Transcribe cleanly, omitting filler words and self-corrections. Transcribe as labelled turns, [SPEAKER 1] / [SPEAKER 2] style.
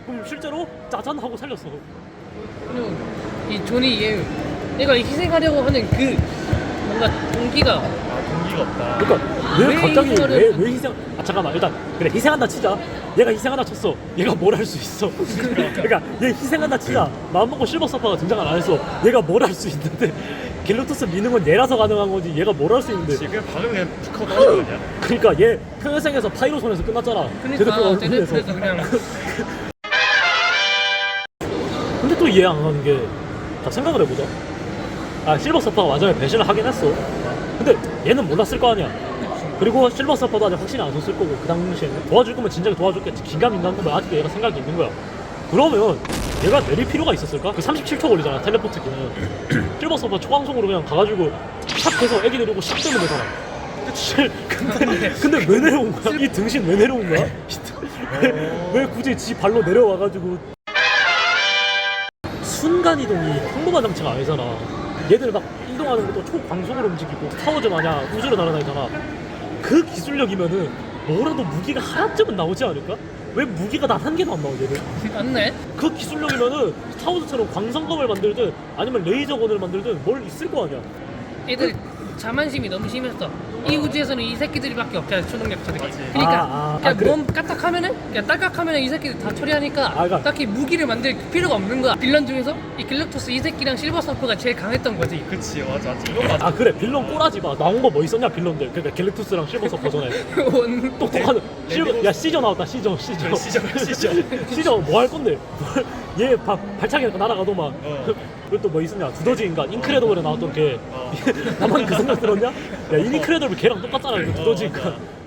[SPEAKER 1] 그럼 실제로 짜잔 하고 살렸어.
[SPEAKER 2] 그리고 이 존이 얘가 희생하려고 하는 그 뭔가 동기가
[SPEAKER 3] 동기가 없다.
[SPEAKER 1] 그러니까 왜
[SPEAKER 2] 왜
[SPEAKER 1] 갑자기
[SPEAKER 2] 이거를-
[SPEAKER 1] 왜 희생? 아 잠깐만 일단 그래 희생한다 치자. 얘가 희생한다 쳤어. 얘가 뭘 할 수 있어? 그러니까 얘 희생한다 치자. 마음먹고 실버 서퍼가 등장을 안 했어. 얘가 뭘 할 수 있는데 갤럭토스 미는 건 얘라서 가능한 거지. 얘가 뭘 할 수 있는데?
[SPEAKER 3] 지금 방금 그냥 툭 하고 나온 거 아니야?
[SPEAKER 1] 그러니까 얘 평생에서 파이로손에서 끝났잖아.
[SPEAKER 2] 그러니까 제네프에서 그냥
[SPEAKER 1] 근데 또 이해 안 가는 게, 자 생각을 해보자. 아 실버 서퍼가 마지막에 배신을 하긴 했어. 근데 얘는 몰랐을 거 아니야. 그리고 실버 서퍼도 아직 확신이 안 섰을 거고 그 당시에는 도와줄 거면 진작에 도와줬겠지. 긴가민가한 거면 아직도 얘가 생각이 있는 거야. 그러면 얘가 내릴 필요가 있었을까? 그 37초 걸리잖아 텔레포트기는. 실버 서퍼 초강속으로 그냥 가가지고 샥 해서 애기 내리고 샥 되면 되잖아. 근데 왜 내려온 거야? 이 등신 왜 내려온 거야? 왜 굳이 지 발로 내려와가지고 순간이동이 평범한 장치가 아니잖아. 얘들 막 이동하는 것도 초광속으로 움직이고 스타워즈 마냥 우주로 날아다니잖아. 그 기술력이면은 뭐라도 무기가 하나쯤은 나오지 않을까? 왜 무기가 단 한 개도 안 나오지 얘들?
[SPEAKER 2] 맞네.
[SPEAKER 1] 그 기술력이면은 스타워즈처럼 광선검을 만들든 아니면 레이저건을 만들든 뭘 있을 거 아니야.
[SPEAKER 2] 애들 자만심이 너무 심했어. 이 우주에서는 이 새끼들이밖에 없잖아, 초능력자들이. 그러니까 그냥
[SPEAKER 1] 그래.
[SPEAKER 2] 몸 까딱하면은 그냥 딸깍하면은 이 새끼들 다 처리하니까
[SPEAKER 1] 그러니까.
[SPEAKER 2] 딱히 무기를 만들 필요가 없는 거야. 빌런 중에서 이 갤럭토스 이 새끼랑 실버 서퍼가 제일 강했던 거지.
[SPEAKER 3] 그치 맞아. 이건 맞아.
[SPEAKER 1] 아 그래 빌런 꼬라지 마. 나온 거 뭐 있었냐 빌런들. 그러니까 갤럭투스랑 실버 서퍼 전에
[SPEAKER 2] 원-
[SPEAKER 1] 똑똑한 실버. 야 시저 나왔다 시저. 시저 뭐 할 건데? 얘 발차기 날아가더만. 그리고 또 뭐 있었냐? 두더지 인간 인크레더블에 나왔던 걔. 나만 그 생각 들었냐? 야 인크레더블 걔랑 똑같잖아. 그 두더지 인간.